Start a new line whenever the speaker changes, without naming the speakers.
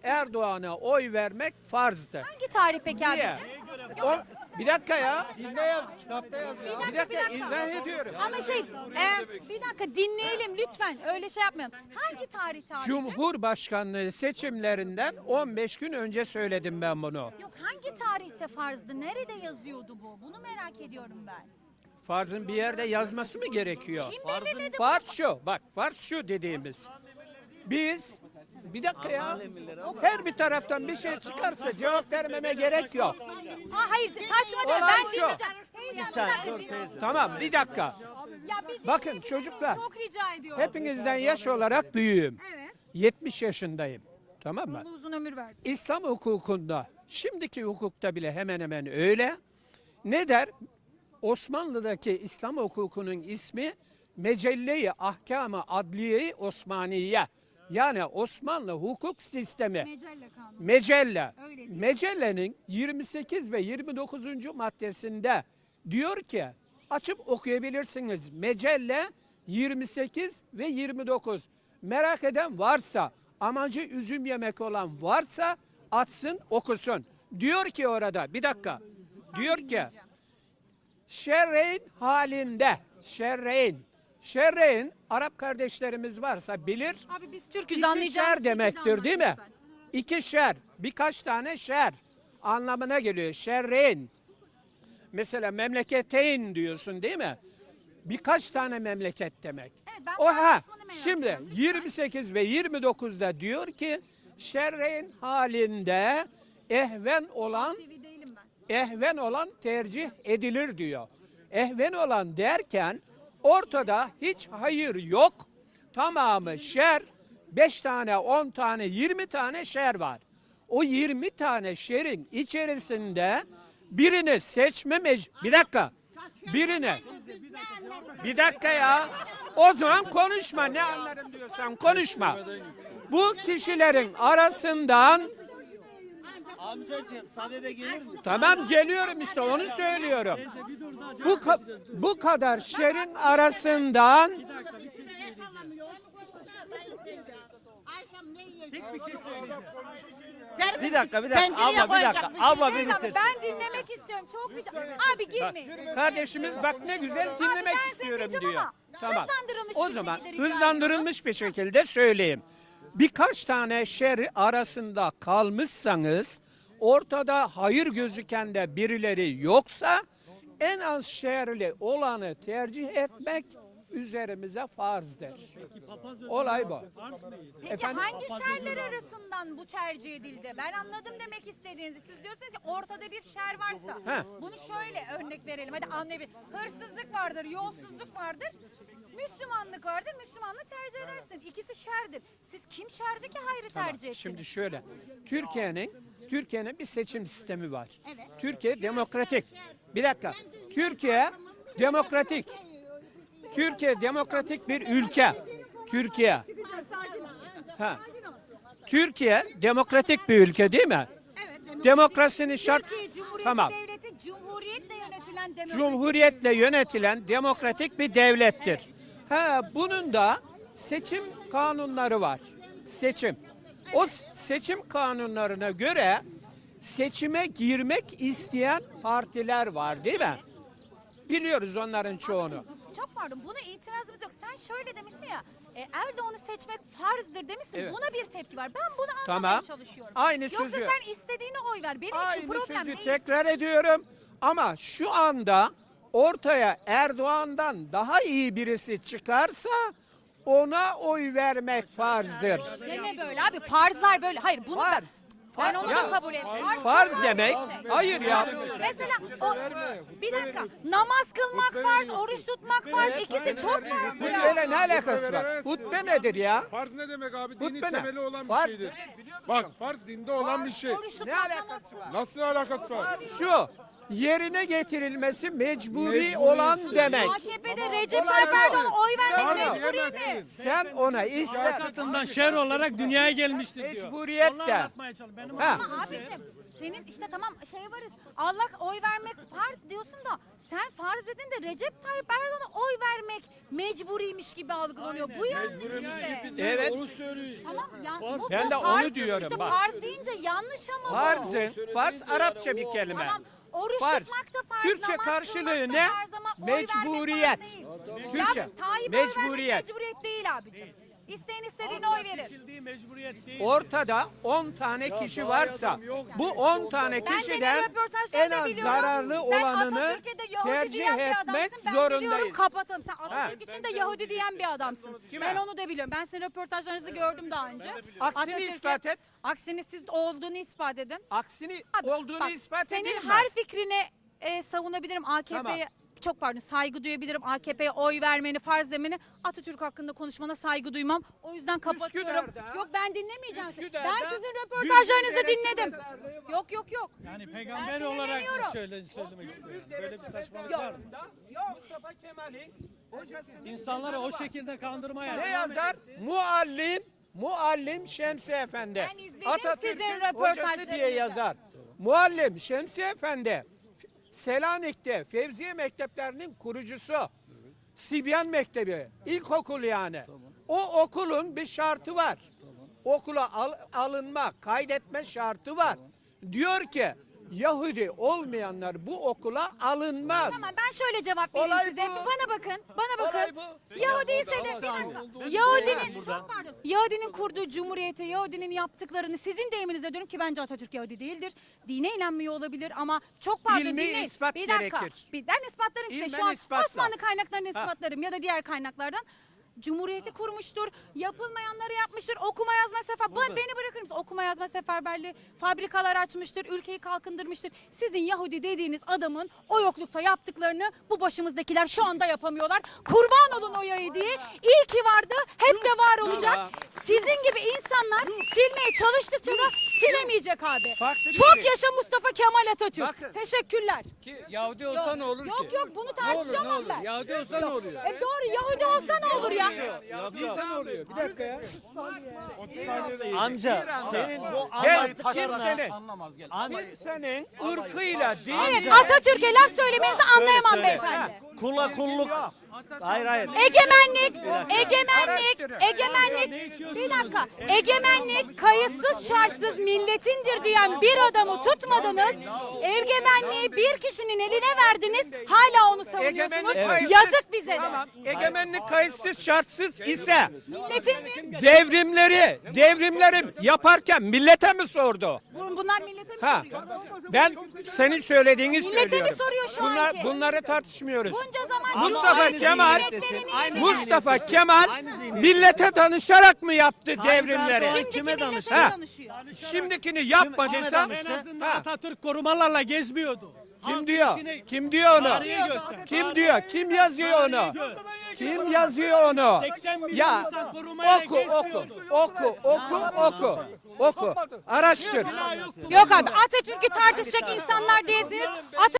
Erdoğan'a oy vermek farzdır.
Hangi tarih peki
Niye?
abicim?
O, bir dakika ya.
Dinde yaz, kitapta yazıyor.
Bir dakika izah ediyorum.
Ama bir dakika dinleyelim lütfen. Öyle şey yapmayalım. Hangi tarihte abicim?
Cumhurbaşkanlığı seçimlerinden 15 gün önce söyledim ben bunu.
Yok hangi tarihte farzdı? Nerede yazıyordu bu? Bunu merak ediyorum ben.
Farzın bir yerde yazması mı gerekiyor?
Kim belirledi?
Farz şu, bak farz şu dediğimiz. Biz, bir dakika ya, her bir taraftan bir şey çıkarsa cevap vermeme gerek yok.
Ha hayır saçma değil.
Olay
Ben
şu.
dinleyeceğim. Teyze, bir dakika dinle.
Tamam, bir dakika.
Ya bir
Bakın
dinleyebilir
çocuklar,
miyim? Çok rica ediyorum.
hepinizden yaş olarak büyüğüm.
Evet.
70 yaşındayım. Tamam mı?
Allah uzun ömür versin.
İslam hukukunda, şimdiki hukukta bile hemen hemen öyle. Ne der? Osmanlı'daki İslam hukukunun ismi Mecelle-i Ahkam-ı Adliye-i Osmaniye. Yani Osmanlı hukuk sistemi.
Mecelle kanunu.
Mecelle.
Öyle değil mi?
Mecelle'nin 28 ve 29. maddesinde diyor ki, açıp okuyabilirsiniz. Mecelle 28 ve 29. Merak eden varsa, amacı üzüm yemek olan varsa açsın okusun. Diyor ki orada, bir dakika. Diyor ki, şerreyn halinde, şerreyn Arap kardeşlerimiz varsa bilir.
Abi biz Türk'üz
İki
anlayacağımız
şer demektir değil mi?
şekilde anlat
İki şer, birkaç tane şer anlamına geliyor. Şerreyn. Mesela memleketeyn diyorsun değil mi? Birkaç tane memleket demek.
Evet, ben
O
bu
ha.
kısmını merak
Şimdi
ediyorum.
28 ve 29'da diyor ki şerreyn halinde ehven olan
lütfen. TV değilim ben.
ehven olan tercih edilir diyor. Ehven olan derken ortada hiç hayır yok. Tamamı şer. 5 tane, 10 tane, 20 tane şer var. O 20 tane şerin içerisinde birini seçme bir dakika. Birini. Bir dakika ya. O zaman konuşma. Ne anlarım diyorsan konuşma. Bu kişilerin arasından
Amcacığım sadede gelir misin?
tamam geliyorum işte onu söylüyorum. Bu kadar şerin arasından
Tek bir şey söyleyeceğim.
Bir dakika, abla bir dakika. Abla bir
Teyze abi,
bitirsin.
ben dinlemek istiyorum. Çok rica. Abi girmeyin.
kardeşimiz bak ne güzel dinlemek
ben
istiyorum
sesleneceğim
diyor.
ama
Tamam.
hızlandırılmış
O
bir
zaman
şekilde rica
hızlandırılmış bir şekilde söyleyeyim. Birkaç tane şer arasında kalmışsanız ortada hayır gözüken de birileri yoksa en az şerli olanı tercih etmek üzerimize farzdır. Olay bu.
Peki
Efendim?
hangi şerler arasından bu tercih edildi? Ben anladım demek istediğinizi. Siz diyorsunuz ki ortada bir şer varsa.
He.
Bunu şöyle örnek verelim. Hadi anlayabilir. Hırsızlık vardır, yolsuzluk vardır. Müslümanlık vardır. Müslümanlığı tercih edersin. İkisi şerdir. Siz kim şerdi ki hayrı tercih ettiniz?
Şimdi şöyle, Türkiye'nin bir seçim sistemi var.
Evet.
Türkiye demokratik. Bir dakika. Türkiye demokratik. Türkiye demokratik bir ülke. Türkiye. Ha. Türkiye demokratik bir ülke değil mi?
Evet.
Demokrasinin şart.
Türkiye Cumhuriyeti
Tamam.
Devleti Cumhuriyetle yönetilen demokratik.
Cumhuriyetle yönetilen demokratik bir devlettir. Ha, bunun da seçim kanunları var. Seçim. O seçim kanunlarına göre seçime girmek isteyen partiler var değil mi? Biliyoruz onların çoğunu.
Çok pardon buna itirazımız yok. Sen şöyle demişsin ya Erdoğan'ı seçmek farzdır demişsin.
Evet.
Buna bir tepki var. Ben bunu anlamaya
Tamam.
çalışıyorum.
Aynı
Yoksa
sözü.
sen istediğine oy ver. Benim için
Aynı
problem
sözü
değil.
tekrar ediyorum. Ama şu anda ortaya Erdoğan'dan daha iyi birisi çıkarsa ona oy vermek farzdır.
Deme böyle abi. Farzlar böyle. Hayır bunu
Farz.
ben onu
Ya,
da kabul etmiyorum.
farz
çok
demek.
ayrı bir şey.
Hayır ya.
Mesela bir dakika. Namaz kılmak farz, oruç tutmak farz. İkisi çok farklı.
Hutbeyle ne alakası var? Hutbe nedir ya?
Farz ne demek abi? Dini
Hutbe ne?
temeli olan
Farz-
bir şeydir. Bak farz dinde olan bir şey.
Oruç
Ne
tutmak, namaz
alakası
kılmak.
var?
Nasıl alakası var?
Şu yerine getirilmesi mecburi
Mecburi
olan
ise-
demek.
AKP'de Recep Tayyip Erdoğan'a oy vermek
Farz
mecburiyeti.
diyemezsiniz.
Sen ona ister
Siyasetinden şer olarak dünyaya gelmiştir diyor.
Mecburiyet
Onu
de.
anlatmaya çalışıyorum. Benim
Ha.
Ama abicim senin işte tamam şey varız. Allah oy vermek farz diyorsun da sen farz edin de Recep Tayyip Erdoğan'a oy vermek mecburiymiş gibi algılanıyor. Bu yanlış işte.
Evet.
Tamam, bu
Ben de
farz-
onu diyorum,
İşte
bak.
farz deyince yanlış ama bu.
Farz Arapça bir kelime.
Tamam. Oruç
Farz.
tutmak da farz,
Türkçe
namaz
karşılığı
kılmak da
ne?
farz ama oy vermek farz
Mecburiyet.
değil.
Türkçe.
Ya Tayyip'e oy vermek
Mecburiyet.
mecburiyet değil abicim. İsteyen istediğine oy verir.
Seçildiği mecburiyet değil.
Ortada 10 tane kişi varsa bu 10 tane
Ben senin
kişiden
röportajlarını
en az
biliyorum.
zararlı
Sen
olanını
Atatürk'e de Yahudi
tercih
diyen bir
etmek
adamsın. Ben biliyorum,
zorundayız.
kapatalım. Sen Atatürk için de Yahudi diyen bir adamsın.
Kime?
Ben onu da biliyorum. Ben sizin röportajlarınızı gördüm daha önce.
Aksini
Atatürk'e-
ispat et.
Aksini siz olduğunu ispat edin.
Aksini
Abi,
olduğunu
bak,
ispat
senin
edeyim mi?
her fikrini savunabilirim. AKP'ye çok pardon saygı duyabilirim. AKP'ye oy vermeni, farz demeni. Atatürk hakkında konuşmana saygı duymam. O yüzden kapatıyorum.
Üsküdar'da-
Yok ben dinlemeyeceğim.
Üsküdar'da
Ben sizin röportajlarınızı
Gülbin
dinledim.
Deresi mezarlığı var.
Yok.
Yani
Ben
peygamber
seni
olarak
dinliyorum.
söylemek istiyorum. Böyle bir saçmalık
Yok.
var mı?
Mustafa Kemal'in hocasının
İnsanları o şekilde kandırmaya
ne yazar? Muallim Şemsi Efendi.
Ben izledim
Atatürk'ün
sizin
hocası
röportajlarınızı.
diye yazar. Muallim Şemsi Efendi Selanik'te Fevziye Mekteplerinin kurucusu. Sibyan Mektebi, ilkokul yani. O okulun bir şartı var. Okula alınma, kaydetme şartı var. Diyor ki Yahudi olmayanlar bu okula alınmaz.
Tamam ben şöyle cevap vereyim
Olay
size.
bu.
Bana bakın. Bana
Olay
bakın.
bu.
Yahudi ise de bir dakika. Yahudinin çok pardon. Yahudinin kurduğu cumhuriyeti, Yahudinin yaptıklarını sizin deyiminizle diyorum ki bence Atatürk Yahudi değildir. Dine inanmıyor olabilir ama çok pardon
İlmi
dinleyin.
ispat
bir dakika.
gerekir.
Ben ispatlarım size.
İlmen
Şu an
ispatla.
Osmanlı kaynaklarını ispatlarım ya da diğer kaynaklardan. Cumhuriyeti kurmuştur. Yapılmayanları yapmıştır. Okuma yazma beni bırakır mısın? Okuma yazma seferberliği, fabrikalar açmıştır, ülkeyi kalkındırmıştır. Sizin Yahudi dediğiniz adamın o yoklukta yaptıklarını bu başımızdakiler şu anda yapamıyorlar. Kurban olun o Yahudi'ye. İyi ki vardı, hep de var olacak. Sizin gibi insanlar silmeye çalıştıkça da silemeyecek abi.
Farklı bir
Çok
şey.
yaşa Mustafa Kemal Atatürk.
Bakın.
Teşekkürler.
Yahudi olsa ne olur ki?
Yok bunu tartışamam ben.
Yahudi olsa ne oluyor?
Doğru Yahudi olsa ne olur ya?
Yahudi olsa ne oluyor? Bir dakika ya.
Amca senin bu
Ben
anlattıklarına
kimsenin ırkıyla
Evet
değil.
Atatürk'e laf söylemenizi anlayamam
söyle.
beyefendi.
kula kulluk. Hayır.
Egemenlik,
içiyorsunuz?
bir dakika. Egemenlik kayıtsız şartsız milletindir diyen bir adamı tutmadınız. Egemenliği bir kişinin eline verdiniz. Hala onu savunuyorsunuz.
Egemenlik kayıtsız.
Yazık bize de.
Tamam. Egemenlik kayıtsız şartsız ise
Milletin mi?
devrimleri yaparken millete mi sordu?
Bunlar millete mi
Ha.
soruyor?
Ben senin söylediğini
Millete mi
söylüyorum.
soruyor şu anki?
Bunları tartışmıyoruz.
Bunca zaman
Mustafa
Aynı
Kemal
zihniyetlerin iyiliği.
Mustafa Kemal millete danışarak mı yaptı devrimleri?
Erdoğan kime
Millete
danıştı?
Ha.
danışıyor.
Şimdikini yapmadıysa
En azından
ha,
Atatürk korumalarla gezmiyordu.
kim diyor? Kim diyor onu?
Tarihe göster.
Kim diyor? Kim yazıyor onu? Kim yazıyor onu?
80 milyon
Ya
insan korumayla
oku
gezmiyordu.
oku. Araştır.
Silah yoktu.
Yok abi Atatürk'ü tartışacak insanlar değilsiniz.